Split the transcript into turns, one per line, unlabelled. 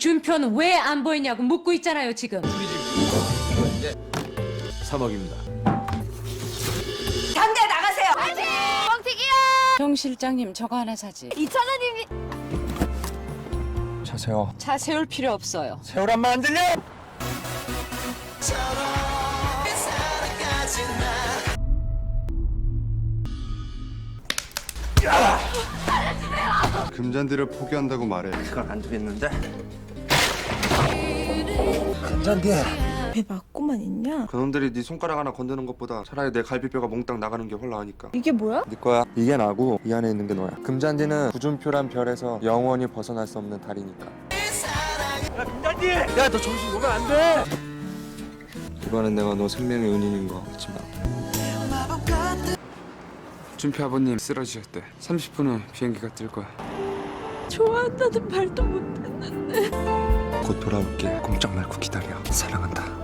준표는 왜 안 보이냐고 묻고 있잖아요 지금.
3억입니다.
당장 나가세요.
정 실장님 저거 하나 사지.
2,000원입니다.
차 세워.
차 세울 필요 없어요.
세우란 말 안 들려?
금잔디를 포기한다고 말해.
그건 안 되겠는데. 금잔디.
왜 맞고만 있냐?
그놈들이 네 손가락 하나 건드는 것보다 차라리 내 갈비뼈가 몽땅 나가는 게 홀라하니까.
이게 뭐야?
네 거야. 이게 나고 이 안에 있는 게 너야. 금잔디는 구준표란 별에서 영원히 벗어날 수 없는 달이니까.
야 금잔디. 야 너 정신 놓으면 안 돼.
이번엔 내가 너 생명의 은인인 거 잊지 마. 준표 아버님 쓰러지셨대. 30분 후 비행기가 뜰 거야.
좋아한다는 말도 못했는데.
곧 돌아올게. 꼼짝 말고 기다려. 사랑한다.